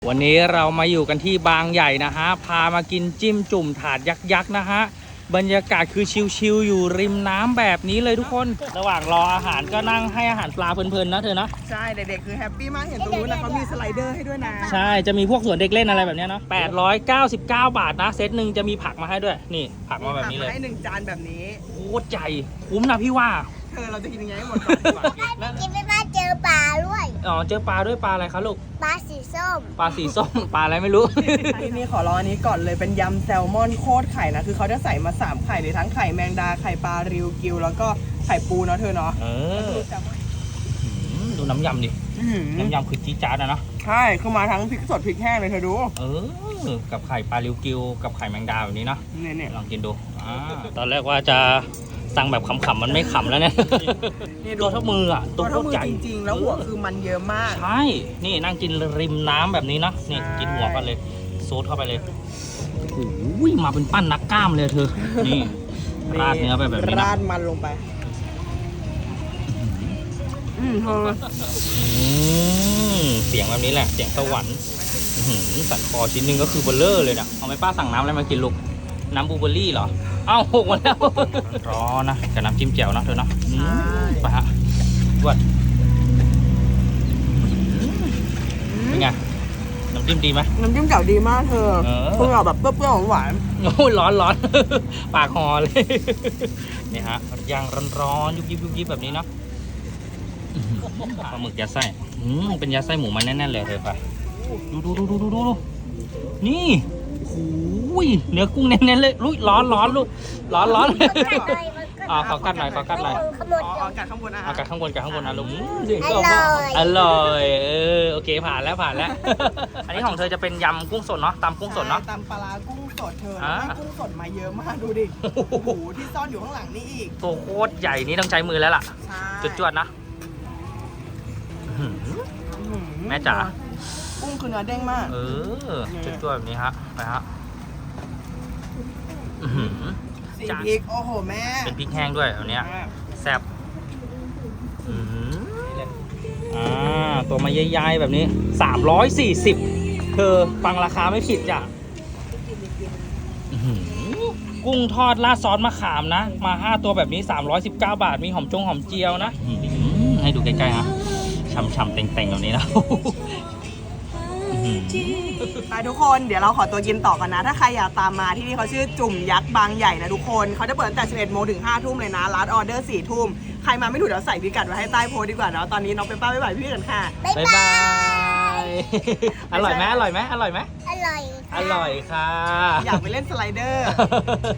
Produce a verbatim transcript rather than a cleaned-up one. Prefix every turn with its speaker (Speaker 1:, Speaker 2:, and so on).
Speaker 1: วันนี้เรามาอยู่กันที่บางใหญ่นะฮะพามากินจิ้มจุ่มถาดยักษ์ๆนะฮะบรรยากาศคือชิลๆอยู่ริมน้ำแบบนี้เลยทุกคนระหว่างรออาหารก็นั่งให้อาหารปลาเพลินๆนะเธอนะ
Speaker 2: ใช่เด็กๆคือแฮปปี้มากเห็นตรงนู้นนะเขามีสไลเดอร์ให้ด้วยนะ
Speaker 1: ใช่จะมีพวกสวนเด็กเล่นอะไรแบบนี้เนาะแปดร้อยเก้าสิบเก้าบาทนะเซตหนึ่งจะมีผักมาให้ด้วยนี่ผักมาแบบนี้เลย
Speaker 2: ให้หนึ่งจานแบบนี้
Speaker 1: โคตรใหญ่คุ้มนะพี่ว่า
Speaker 2: เธอเราจะกินยังไงให้หมดก่อนดีกว่า
Speaker 3: กินไม่ได้เจอปลาด้วย
Speaker 1: อ๋อเจอปลาด้วยปลาอะไรคะลูก
Speaker 3: ปลาสีส้ม
Speaker 1: ปลาสีส้มปลาอะไรไม่รู้
Speaker 2: ที่นี่ขอรออันนี้ก่อนเลยเป็นยำแซลมอนโคตรไข่นะคือเขาจะใส่มาสามไข่เลยทั้งไข่แมงดาไข่ปลาริวกิวแล้วก็ไข่ปูเนาะเธอเนาะ
Speaker 1: เออดูน้ำยำดิน้ำยำคือจี๊ดจ๊าดนะเนาะ
Speaker 2: ใช่คือมาทั้งพริกสดพริกแห้งเลยเธอดู
Speaker 1: เออกับไข่ปลาริวกิวกับไข่แมงดาแบบนี้เนาะ
Speaker 2: เนี่ยเนี่ย
Speaker 1: ลองกินดูอ่าตอนแรกว่าจะสั่งแบบขำๆมันไม่ขำแล้วเนี่ยตัวเท่ามืออ่ะ
Speaker 2: ตัวเท่ามือจริงๆแล้วหัวคือมันเยอะมาก
Speaker 1: ใช่นี่นั่งกินริมน้ำแบบนี้นะนี่กินหัวกันเลยโซดเข้าไปเลยโอ้ยมาเป็นปั้นนักกล้ามเลยเธอนี่ราดเนื้อไปแบบนี้นะ
Speaker 2: ราดมันลงไปอืมเธอ
Speaker 1: เสียงแบบนี้แหละเสียงสวรรค์สันคอชิ้นนึงก็คือเบลเลอร์เลยนะเอาไหมป้าสั่งน้ำอะไรมากินลูกน้ำบลูเบอร์รี่เหรอเอ้าหกมาแล้วร้อนนะกับน้ำจิ้มแจ่วนะเธอเนาะไปฮะวัดเป็นไงน้ำจิ้มดีไหม
Speaker 2: น้ำจิ้มเก่าดีมากเธอเพิ่งเอาแบบเปรี้ยวๆหวาน
Speaker 1: โอ้ยร้อนร้อนปากหอเลยนี่ฮะย่างร้อนๆยุบยิบยุบยิบแบบนี้เนาะปลาหมึกยัดไส้เป็นยัดไส้หมูมันแน่นๆเลยเธอไปดูดูดูดูดูดูนี่โอ้ยเนื้อกุ้งเน้นๆเลยลุยร้อนร้อนลูกร้อนร้อนอ๋อขอกัดหน่อยขอกัดหน่อย
Speaker 2: อ๋อกัดข้างบนอ่ะ
Speaker 1: กัดข้างบนกัดข้างบนนะลุง
Speaker 3: อร่อย
Speaker 1: อร่อยเออโอเคผ่านแล้วผ่านแล้วอันนี้ของเธอจะเป็นยำกุ้งสดเนาะตำกุ้งสดเนาะ
Speaker 2: ตำปลากุ้งสดเธอให้กุ้งสดมาเยอะมากดูดิโอ้โหที่ซ่อนอยู่ข้างหลังนี่อีก
Speaker 1: ตัวโคตรใหญ่นี่ต้องใช้มือแล้วล่ะจุดจวดนะแม่จ๋า
Speaker 2: กุ้งคือเนื้อเด้งมาก
Speaker 1: เออจุดจวดแบบนี้ฮะไปฮะ
Speaker 2: สีพริกโอ้โหแม่
Speaker 1: เป็นพริกแห้งด้วยอันเนี้ยแซ่บอ่าตัวมาใหญ่ๆแบบนี้สามร้อยสี่สิบเธอฟังราคาไม่ผิดจ้ะกุ้งทอดราดซอสมะขามนะมาห้าตัวแบบนี้สามร้อยสิบเก้าบาทมีหอมจงหอมเจียวนะให้ดูใกล้ๆฮะฉ่ำๆเต่งๆแบบนี้นะ
Speaker 2: ไปทุกคนเดี๋ยวเราขอตัวกินต่อกันนะถ้าใครอยากตามมาที่นี่เขาชื่อจุ่มยักษ์บางใหญ่นะทุกคนเขาจะเปิดตั้งแต่สิบเอ็ดโมงถึงห้าทุ่มเลยนะร้านออเดอร์สี่ทุ่มใครมาไม่ถูกเดี๋ยวใส่พิกัดไว้ให้ใต้โพสต์ดีกว่าเนาะตอนนี้น้องเป็นป้าบ๊ายบายพี่กันค่ะ
Speaker 1: บ๊ายบายอร่อยไหมอร่อยไหมอร่อยไหม
Speaker 3: อร่อย
Speaker 1: อร่อยค่ะ
Speaker 2: อยากไปเล่นสไลเดอร์